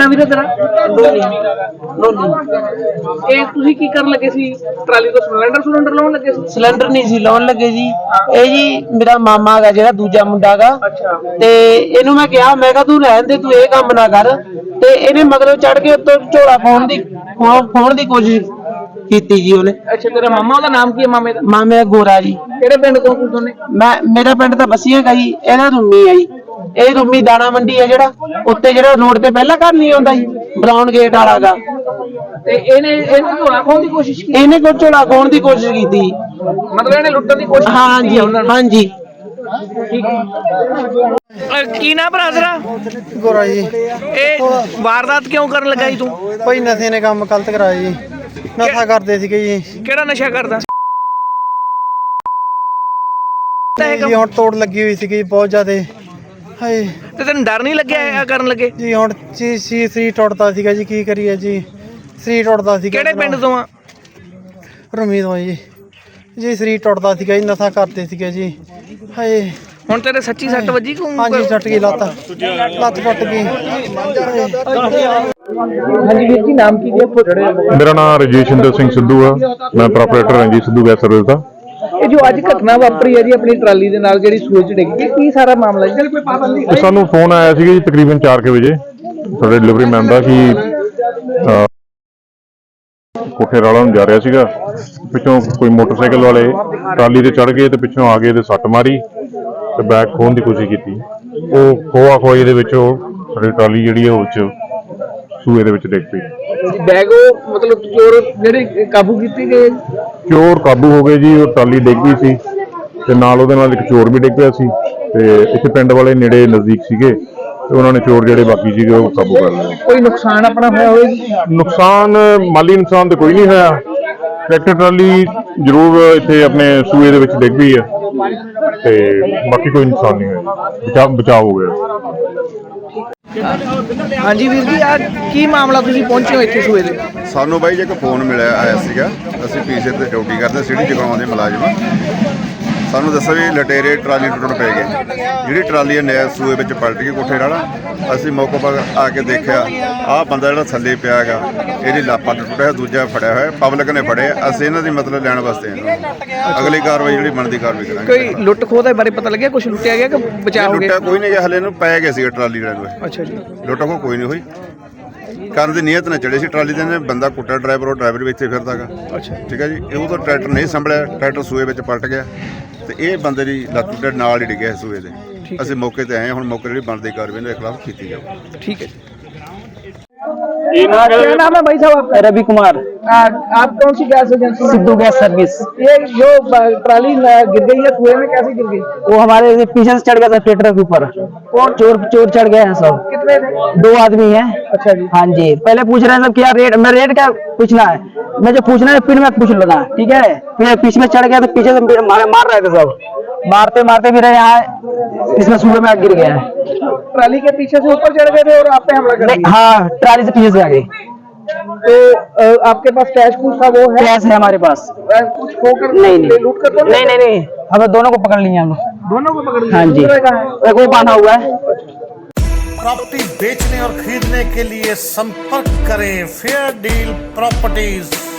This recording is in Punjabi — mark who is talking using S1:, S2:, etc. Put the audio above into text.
S1: ਵੀਰੇ ਤੇਰਾ? ਇਹ ਤੁਸੀਂ ਕੀ ਕਰਨ ਲੱਗੇ ਸੀ? ਟਰਾਲੀ ਤੋਂ ਸਿਲੰਡਰ ਲਾਉਣ ਲੱਗੇ ਸੀ?
S2: ਸਿਲੰਡਰ ਨਹੀਂ ਸੀ ਲਾਉਣ ਲੱਗੇ ਜੀ। ਇਹ ਜੀ ਮੇਰਾ ਮਾਮਾ ਹੈਗਾ ਜਿਹੜਾ ਦੂਜਾ ਮੁੰਡਾ ਗਾ, ਤੇ ਇਹਨੂੰ ਮੈਂ ਕਿਹਾ, ਮੈਂ ਕਿਹਾ ਤੂੰ ਰਹਿਣ ਦੇ, ਤੂੰ ਇਹ ਕੰਮ ਨਾ ਕਰ। ਤੇ ਇਹਨੇ ਮਗਰੋਂ ਚੜ ਕੇ ਉੱਤੋਂ ਝੋਲਾ ਫੋਨ ਦੀ ਕੋਸ਼ਿਸ਼ ਕੀਤੀ ਜੀ ਉਹਨੇ।
S1: ਅੱਛਾ, ਤੇਰਾ ਮਾਮਾ, ਉਹਦਾ ਨਾਮ ਕੀ ਹੈ ਮਾਮੇ ਦਾ?
S2: ਮਾਮੇ ਦਾ ਗੋਰਾ ਜੀ।
S1: ਕਿਹੜੇ ਪਿੰਡ ਤੋਂ ਦੋਨੇ?
S2: ਮੇਰਾ ਪਿੰਡ ਤਾਂ ਬਸੀਆਂ ਗਾ ਜੀ, ਇਹਦਾ ਰੂਮੀ ਆ ਜੀ। ਇਹ ਰੂਮੀ ਦਾਣਾ ਮੰਡੀ ਆ ਜਿਹੜਾ ਉੱਤੇ, ਜਿਹੜਾ ਰੋਡ ਤੇ ਪਹਿਲਾਂ ਘਰ ਨਹੀਂ ਆਉਂਦਾ ਜੀ, ਬਰਾਊਨ ਗੇਟ ਵਾਲਾ ਗਾ।
S1: ਤੇ ਇਹਨੇ ਝੋਲਾ ਖੋਹਣ ਦੀ ਕੋਸ਼ਿਸ਼ ਕੀਤੀ?
S2: ਇਹਨੇ ਕੋਈ ਝੋਲਾ ਖੋਹਣ ਦੀ ਕੋਸ਼ਿਸ਼ ਕੀਤੀ,
S1: ਮਤਲਬ ਇਹਨੇ ਲੁੱਟਣ ਦੀ ਕੋਸ਼ਿਸ਼?
S2: ਹਾਂਜੀ ਹਾਂਜੀ।
S1: ਕੀ ਨਾ ਭਰਾ ਤੇਰਾ?
S3: ਗੋਰਾ ਜੀ।
S1: ਇਹ ਵਾਰਦਾਤ ਕਿਉਂ ਕਰਨ ਲੱਗਾ ਜੀ ਤੂੰ?
S3: ਭਾਈ ਨਸ਼ੇ ਨੇ ਕੰਮ ਗਲਤ ਕਰਾਇਆ ਜੀ, ਨਸ਼ਾ ਕਰਦੇ ਸੀਗੇ ਜੀ।
S1: ਕਿਹੜਾ ਨਸ਼ਾ ਕਰਦਾ
S3: ਜੀ ਹੁਣ ਤੋੜ ਲੱਗੀ ਹੋਈ ਸੀਗੀ ਬਹੁਤ ਜ਼ਿਆਦੇ। ਹਾਏ,
S1: ਤੇ ਤੈਨੂੰ ਡਰ ਨਹੀਂ ਲੱਗਿਆ ਇਹ ਕਰਨ ਲੱਗੇ?
S3: ਜੀ ਹੁਣ ਸਰੀਰ ਟੁੱਟਦਾ ਸੀਗਾ ਜੀ, ਕੀ ਕਰੀਏ ਜੀ, ਸਰੀਰ ਟੁੱਟਦਾ ਸੀਗਾ।
S1: ਕਿਹੜੇ ਪਿੰਡ ਤੋਂ ਆ?
S3: ਰੂਮੀ ਤੋਂ ਜੀ ਸਰੀਰ ਟੁੱਟਦਾ ਸੀਗਾ ਜੀ, ਨਸ਼ਾ ਕਰਦੇ ਸੀਗੇ ਜੀ। ਹਾਏ,
S1: ਹੁਣ ਤੇਰੇ ਸੱਚੀ ਸੱਟ ਵੱਜੀ?
S3: ਹਾਂਜੀ, ਟੁੱਟ ਗਈ ਲੱਤ ਟੁੱਟ ਗਈ।
S1: ਹਾਂਜੀ ਵੀਰ ਜੀ, ਨਾਮ ਕੀ ਹੈ?
S4: ਮੇਰਾ ਨਾਮ ਰਜੇਸ਼ਿੰਦਰ ਸਿੰਘ ਸਿੱਧੂ ਆ, ਮੈਂ proprietor Ranjit Sidhu gas service ਦਾ।
S1: ਇਹ ਜੋ ਅੱਜ ਘਟਨਾ ਵਾਪਰੀ ਹੈ ਜੀ ਆਪਣੀ ਟਰਾਲੀ ਦੇ ਨਾਲ, ਜਿਹੜੀ ਸੂਏ ਚ ਡਿੱਗ ਗਈ, ਕੀ ਸਾਰਾ ਮਾਮਲਾ ਜੀ? ਕੋਈ ਪਾਬੰਦੀ?
S4: ਸਾਨੂੰ ਫੋਨ ਆਇਆ ਸੀਗਾ ਜੀ ਤਕਰੀਬਨ 4 ਵਜੇ ਸਾਡੇ ਡਿਲੀਵਰੀ ਮੈਨ ਦਾ ਕਿ ਕੋਠੇ ਰਾਲਾ ਨੂੰ ਜਾ ਰਿਹਾ ਸੀਗਾ। ਪਿੱਛੋਂ ਕੋਈ ਮੋਟਰਸਾਈਕਲ ਵਾਲੇ ਟਰਾਲੀ ਤੇ ਚੜ ਗਏ ਤੇ ਪਿੱਛੋਂ ਆ ਕੇ ਤੇ ਸੱਟ ਮਾਰੀ ਤੇ ਬੈਗ ਖੋਹਣ ਦੀ ਕੋਸ਼ਿਸ਼ ਕੀਤੀ। ਉਹ ਖੋਆ ਖੋਈ ਦੇ ਵਿੱਚ ਸਾਡੀ ਟਰਾਲੀ ਜਿਹੜੀ ਹੈ ਉਹ ਸੂਏ ਦੇ ਵਿੱਚ ਡਿੱਗ ਪਈ।
S1: ਬੈਗ ਉਹ ਮਤਲਬ ਚੋਰ ਜਿਹੜੇ ਕਾਬੂ ਕੀਤੇ ਗਏ?
S4: ਚੋਰ ਕਾਬੂ ਹੋ ਗਏ ਜੀ। ਉਹ ਟਰਾਲੀ ਡਿੱਗ ਪਈ ਸੀ ਤੇ ਨਾਲ ਉਹਦੇ ਨਾਲ ਇੱਕ ਚੋਰ ਵੀ ਡਿੱਗ ਪਿਆ ਸੀ, ਤੇ ਇੱਥੇ ਪਿੰਡ ਵਾਲੇ ਨੇੜੇ ਨਜ਼ਦੀਕ ਸੀਗੇ ਤੇ ਉਹਨਾਂ ਨੇ ਚੋਰ ਜਿਹੜੇ ਬਾਕੀ ਸੀਗੇ ਉਹ ਕਾਬੂ ਕਰ ਲਏ।
S1: ਕੋਈ ਨੁਕਸਾਨ ਆਪਣਾ ਹੋਇਆ ਹੋਇਆ?
S4: ਨੁਕਸਾਨ ਮਾਲੀ ਨੁਕਸਾਨ ਤਾਂ ਕੋਈ ਨਹੀਂ ਹੋਇਆ। ਟਰੈਕਟਰ ਟਰਾਲੀ ਜ਼ਰੂਰ ਇੱਥੇ ਆਪਣੇ ਸੂਏ ਦੇ ਵਿੱਚ ਡਿੱਗ ਪਈ ਹੈ ਤੇ ਬਾਕੀ ਕੋਈ ਨੁਕਸਾਨ ਨਹੀਂ ਹੋਇਆ, ਬਚਾਅ ਹੋ ਗਿਆ।
S1: ਹਾਂਜੀ ਵੀਰ ਜੀ, ਆ ਕੀ ਮਾਮਲਾ, ਤੁਸੀਂ ਪਹੁੰਚੇ ਹੋ ਇੱਥੇ ਸੂਏ ਦੇ?
S5: ਸਾਨੂੰ ਬਾਈ ਜੀ ਇੱਕ ਫੋਨ ਆਇਆ ਸੀਗਾ। ਅਸੀਂ ਪੀਸੇ ਤੇ ਡਿਊਟੀ ਕਰਦੇ, ਸਿਟੀ ਜਗਾਉਣ ਦੇ ਮੁਲਾਜ਼ਮ। ਸਾਨੂੰ ਦੱਸਿਆ ਵੀ ਲਟੇਰੇ ਟਰਾਲੀ ਟੁੱਟਣ ਪੈ ਗਏ। ਜਿਹੜੀ ਟਰਾਲੀ ਹੈ ਨਹਿਰ ਸੂਏ ਵਿੱਚ ਪਲਟ ਗਈ ਕੋਠੇ ਨਾਲ। ਅਸੀਂ ਮੌਕੇ ਪਰ ਆ ਕੇ ਦੇਖਿਆ, ਆਹ ਬੰਦਾ ਜਿਹੜਾ ਥੱਲੇ ਪਿਆ ਹੈਗਾ, ਇਹਦੀ ਲਾਪਾ ਟੁੱਟਿਆ, ਦੂਜਾ ਫੜਿਆ ਹੋਇਆ, ਪਬਲਿਕ ਨੇ ਫੜਿਆ। ਅਸੀਂ ਇਹਨਾਂ ਦੀ ਮਤਲਬ ਲੈਣ ਵਾਸਤੇ ਅਗਲੀ ਕਾਰਵਾਈ ਜਿਹੜੀ ਬਣਦੀ ਕਾਰਵਾਈ ਕਰਾਂਗੇ।
S1: ਕੋਈ ਲੁੱਟ ਖੋਹ ਦੇ ਬਾਰੇ ਪਤਾ ਲੱਗਿਆ? ਕੁਝ ਲੁੱਟਿਆ ਗਿਆ ਕਿ ਬਚਾਅ ਹੋ ਗਿਆ?
S5: ਲੁੱਟਿਆ ਕੋਈ ਨਹੀਂ ਗਿਆ, ਹਲੇ ਨੂੰ ਪੈ ਗਿਆ ਸੀਗਾ ਟਰਾਲੀ ਵਾਲੇ ਨੂੰ।
S1: ਅੱਛਾ ਜੀ।
S5: ਲੁੱਟ ਖੋਹ ਕੋਈ ਨਹੀਂ ਹੋਈ। ਕਰਨ ਦੀ ਨੀਅਤ ਨਾਲ ਚੜੇ ਸੀ ਟਰਾਲੀ ਦੇ ਨੇ। ਬੰਦਾ ਕੁੱਟਿਆ ਡਰਾਈਵਰ, ਉਹ ਡਰਾਈਵਰ ਵੀ ਇੱਥੇ ਫਿਰਦਾ ਗਾ।
S1: ਅੱਛਾ,
S5: ਠੀਕ ਹੈ ਜੀ। ਇਹ ਤਾਂ ਟਰੈਕਟਰ ਨਹੀਂ ਸੰਭਲਿਆ, ਟਰੈਕਟਰ ਸੂਏ ਵਿੱਚ ਪਲਟ ਗਿਆ ਤੇ ਇਹ ਬੰਦੇ ਦੀ ਲੱਤ ਦੇ ਨਾਲ ਹੀ ਡਿੱਗਿਆ ਸੂਏ ਦੇ। ਅਸੀਂ ਮੌਕੇ ਤੇ ਆਏ ਹਾਂ। ਹੁਣ ਮੌਕੇ ਜਿਹੜੀ ਬਣਦੀ ਕਾਰਵਾਈ ਦੇ ਖਿਲਾਫ ਕੀਤੀ ਜਾਵੇ।
S1: ठीक है। क्या नाम है भाई साहब?
S2: रवि कुमार।
S1: आप कौन सी gas agency?
S2: Sidhu gas service.
S1: ये जो ट्राली गिर गई है कुएं में, कैसे गिर गई?
S2: वो हमारे पीछे से चढ़ गया था ट्रैक्टर के ऊपर।
S1: कौन?
S2: चोर चढ़ गए हैं सब।
S1: कितने थे?
S2: 2 आदमी हैं।
S1: अच्छा जी।
S2: हाँ जी। पहले पूछ रहे हैं सब क्या रेट, मैं रेट क्या पूछना है, मैं जो पूछना है फिर मैं पूछ लेना, ठीक है। फिर पीछे में चढ़ गया तो पीछे से मार रहे थे सब, मारते मारते फिर यहाँ इसमें सूर्य में गिर गया है।
S1: ट्राली के पीछे से ऊपर चढ़ गए थे और आप पे हमला कर दिया?
S2: हाँ, ट्राली से पीछे से आ गई।
S1: तो आपके पास कैश कुछ था? वो है?
S2: कैश है हमारे पास।
S1: कुछ खोकर
S2: नहीं
S1: लूट कर?
S2: नहीं, हमें दोनों को पकड़ लिया हम लोग।
S1: दोनों को पकड़ लिया?
S2: हाँ जी। एक वो बांधा हुआ है।
S6: प्रॉपर्टी बेचने और खरीदने के लिए संपर्क करें फेयर डील प्रॉपर्टीज।